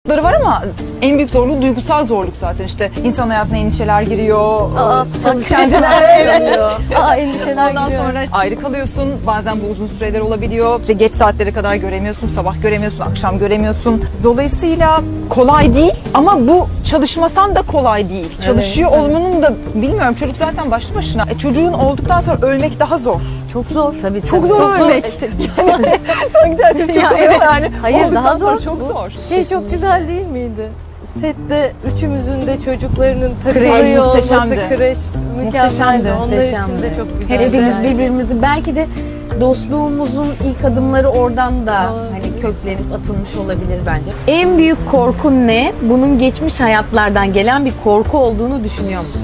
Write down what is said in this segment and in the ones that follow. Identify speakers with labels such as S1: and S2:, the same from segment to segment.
S1: Var ama en büyük zorluğu duygusal zorluk zaten. İşte insan hayatına endişeler giriyor. Kendine
S2: Endişeler
S1: ondan
S2: giriyor.
S1: sonra ayrı kalıyorsun. Bazen bu uzun süreler olabiliyor. İşte geç saatlere kadar göremiyorsun, sabah göremiyorsun, akşam göremiyorsun. Dolayısıyla kolay değil ama bu çalışmasan da kolay değil. Çalışıyor olmanın da bilmiyorum, çocuk zaten başlı başına. Çocuğun olduktan sonra ölmek daha zor.
S2: Çok zor. Tabii,
S1: Çok zor ölmek. Sanki derdim çok zor yani.
S2: Hayır,
S1: Olduktan
S2: daha
S1: sonra
S2: zor.
S1: çok zor.
S2: Çok güzel değil miydi? Sette üçümüzün de çocuklarının
S1: Kreş
S2: takılıyor olması,
S1: muhteşemdi.
S2: kreş mükemmeldi. Onlar için
S3: Muhteşemdi.
S2: de çok güzel.
S3: Hepimiz
S2: yani.
S3: birbirimizi, belki de dostluğumuzun ilk adımları oradan da
S2: Doğru.
S3: hani köklenip atılmış olabilir bence. En büyük korkun ne? Bunun geçmiş hayatlardan gelen bir korku olduğunu düşünüyor musun?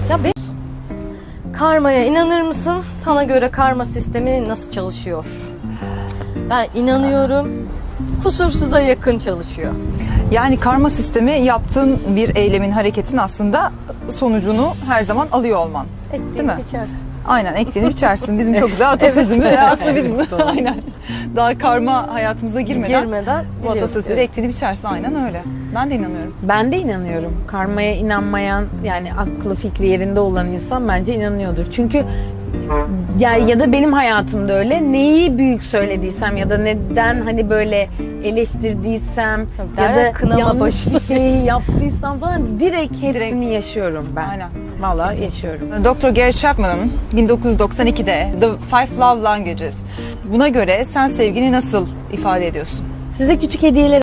S2: Karmaya inanır mısın? Sana göre karma sistemi nasıl çalışıyor? Ben inanıyorum. Kusursuza yakın çalışıyor.
S1: Yani karma sistemi yaptığın bir eylemin, hareketin aslında sonucunu her zaman alıyor olman. Değil mi?
S2: Ektiğini biçersin.
S1: Aynen, ektiğini biçersin. Bizim çok güzel atasözümüz. Aslında biz bunu aynen daha karma hayatımıza girmeden bu atasözleri ektiğini biçersin. Aynen öyle. Ben de inanıyorum.
S3: Ben de inanıyorum. Karmaya inanmayan, yani aklı fikri yerinde olan insan bence inanıyordur. Çünkü ya da benim hayatımda öyle, neyi büyük söylediysem ya da neden hani böyle eleştirdiysem
S2: Tabii,
S3: ya da
S2: kınama
S3: yanlış bir şeyi yaptıysam falan direkt hepsini yaşıyorum ben.
S1: Aynen.
S3: Vallahi yaşıyorum.
S1: Dr. Gary Chapman'ın 1992'de The Five Love Languages. Buna göre sen sevgini nasıl ifade ediyorsun?
S3: Size küçük hediyeler